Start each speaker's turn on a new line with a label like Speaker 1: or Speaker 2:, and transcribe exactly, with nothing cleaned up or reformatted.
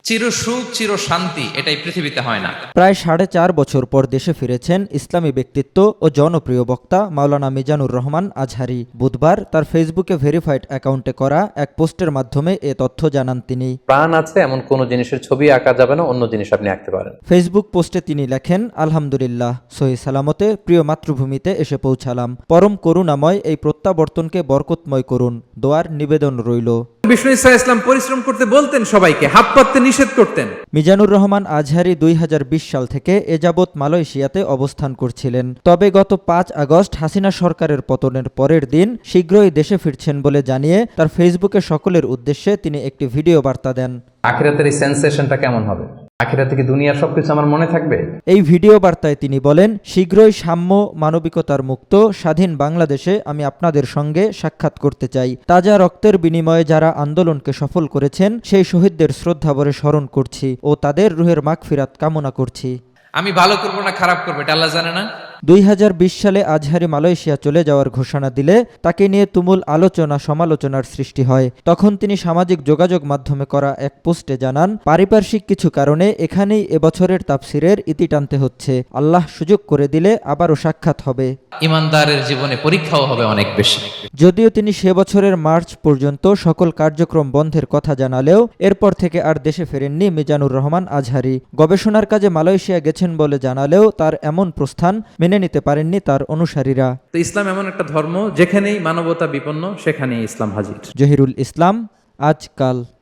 Speaker 1: চির সুখ চির শান্তি এটাই পৃথিবীতে হয় না।
Speaker 2: প্রায় সাড়ে চার বছর পর দেশে ফিরেছেন ইসলামী ব্যক্তিত্ব ও জনপ্রিয় বক্তা মাওলানা মিজানুর রহমান আজহারী। বুধবার তার ফেসবুকে ভেরিফাইড অ্যাকাউন্টে করা এক পোস্টের মাধ্যমে এ তথ্য জানান তিনি।
Speaker 3: প্রাণ আছে এমন কোন জিনিসের ছবি আঁকা যাবে না, অন্য জিনিস আপনি আঁকতে পারেন।
Speaker 2: ফেসবুক পোস্টে তিনি লেখেন, আলহামদুলিল্লাহ, সহি সালামতে প্রিয় মাতৃভূমিতে এসে পৌঁছালাম। পরম করুণাময় এই প্রত্যাবর্তনকে বরকতময় করুন, দোয়ার নিবেদন রইল।
Speaker 4: বিষ্ণু ইসা ইসলাম পরিশ্রম করতে বলতেন, সবাইকে হাত পাততে নিষেধ করতেন।
Speaker 2: মিজানুর রহমান আজহারী দুই হাজার বিশ সাল থেকে এ যাবৎ মালয়েশিয়াতে অবস্থান করছিলেন। তবে গত পাঁচ আগস্ট হাসিনা সরকারের পতনের পরের দিন শীঘ্রই দেশে ফিরছেন বলে জানিয়ে তার ফেসবুকে সকলের উদ্দেশ্যে তিনি একটি ভিডিও বার্তা দেন।
Speaker 3: আখিরাতের এই সেন্সেশনটা কেমন হবে? আখিরাতে কি দুনিয়ার সবকিছু আমার মনে থাকবে?
Speaker 2: এই ভিডিও বার্তায় তিনি বলেন, শীঘ্রই সাম্য, মানবিকতার মুক্ত স্বাধীন বাংলাদেশে আমি আপনাদের সঙ্গে সাক্ষাৎ করতে চাই। তাজা রক্তের বিনিময়ে যারা আন্দোলনকে সফল করেছেন সেই শহীদদের শ্রদ্ধাভরে স্মরণ করছি ও তাদের রুহের মাগফিরাত কামনা করছি।
Speaker 1: আমি ভালো করবো না খারাপ করবো এটা আল্লাহ জানে না?
Speaker 2: দুই হাজার বিশ সালে আজহারী মালয়েশিয়া চলে যাওয়ার ঘোষণা দিলে তাকে নিয়ে তুমুল আলোচনা সমালোচনার সৃষ্টি হয়। তখন তিনি সামাজিক যোগাযোগ মাধ্যমে করা এক পোস্টে জানান, পারিপার্শ্বিক কিছু কারণে এখানেই এবছরের তাফসিরের ইতি টানতে হচ্ছে। আল্লাহ সুযোগ করে দিলে আবারও সাক্ষাৎ হবে।
Speaker 1: ইমানদারের জীবনে পরীক্ষাও হবে অনেক বেশি।
Speaker 2: যদিও তিনি সে বছরের মার্চ পর্যন্ত সকল কার্যক্রম বন্ধের কথা জানালেও এরপর থেকে আর দেশে ফেরেননি মিজানুর রহমান আজহারী। গবেষণার কাজে মালয়েশিয়া গেছেন বলে জানালেও তার এমন প্রস্থান মেনে নিতে পারেননি তার অনুসারীরা।
Speaker 4: তো ইসলাম এমন একটা ধর্ম যেখানেই মানবতা বিপন্ন সেখানেই ইসলাম হাজির।
Speaker 2: জহিরুল ইসলাম, আজকাল।